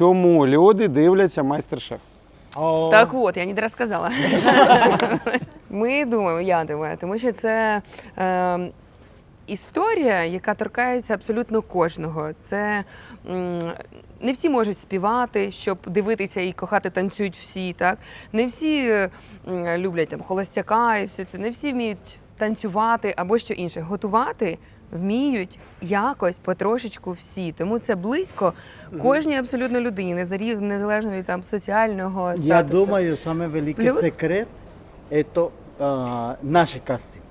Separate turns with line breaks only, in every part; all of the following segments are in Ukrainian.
чому люди дивляться майстер-шеф?
Так от, я не розказала. Ми думаємо, я думаю, тому що це історія, яка торкається абсолютно кожного. Це не всі можуть співати, щоб дивитися і кохати танцюють всі, так? Не всі люблять там холостяка і все це, не всі вміють танцювати або що інше. Готувати вміють якось потрошечку всі. Тому це близько кожній абсолютно людині, незалежно від там соціального статусу.
Я думаю, самый великий
Плюс-
секрет – это наши кастинги.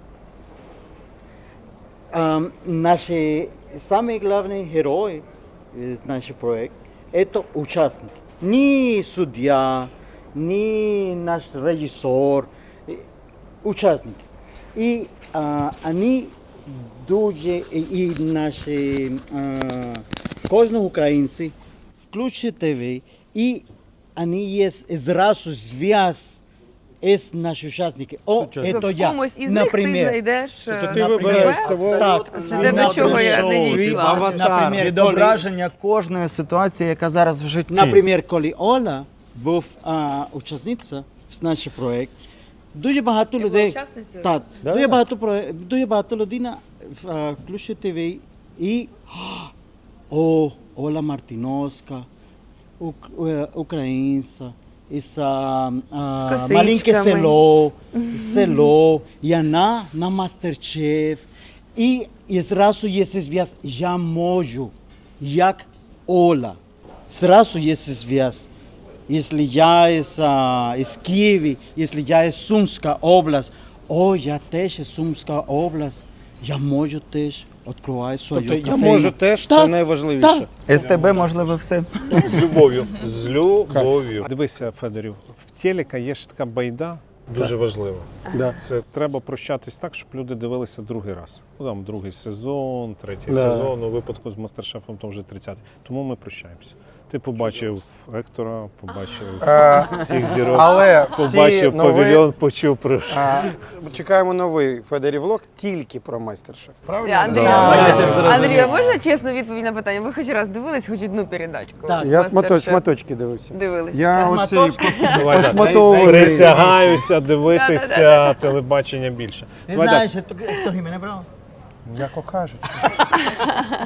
Наши самые главные герои нашего проекта – это участники. Не судья, не наш режиссер, участники. И они дуже, и наши кожного українці включать ТВ, и они есть зразу зв'яз з наші учасники. О,
Тобто
это
в
я,
комусь із них ти
например.
знайдеш
Тобто ти
на
вибираєш
себе.
свого
Так.
Це те, до чого я не дійшла.
Аватар.
Відображення кожної ситуації, яка зараз в житті.
Наприклад, коли Оля був учасниця в наш проєкт, дуже багато
була
людей,
учасницею?
так,
Да,
дуже,
да.
дуже багато людей включить ТВ і о, Оля Мартиновська, українця, із
косичками.
маленьке село, і вона на мастер-шеф, і зразу є зв'яз, я можу, як Оля, зразу є зв'яз. Если я из Киева, если я из Сумской области, я теж із Сумська область, я можу теж відкривати свою
Тобто я
кофейню.
можу теж, це
Так,
найважливіше.
СТБ, можливо, все.
З любов'ю. З любов'ю.
Дивися, Федорів, в телека є ж така байда, дуже важлива.
Да.
Це треба прощатись так, щоб люди дивилися другий раз. Ну, там другий сезон, третій
Да.
сезон, у випадку з мастер-шефом то вже 30-й. Тому ми прощаємося. Ти побачив Ектора, побачив всіх зірок,
Але всі
побачив
нові-
павільйон, почув про що.
Чекаємо новий Федорів влог тільки про майстер-шеф. Правильно?
Андрій,
Да.
Андрій, а можна чесну відповідь на питання? Ви хоч раз дивились хоч одну передачку?
Так.
Я
«Мастер-шеф»?
шматочки дивився.
Дивились.
Я
Шматочки?
оцей
Давай, так.
шматовий.
Присягаюся дивитися телебачення більше.
Не
Давай так.
знаєш, Ектор Хімене брав?
Як кажуть.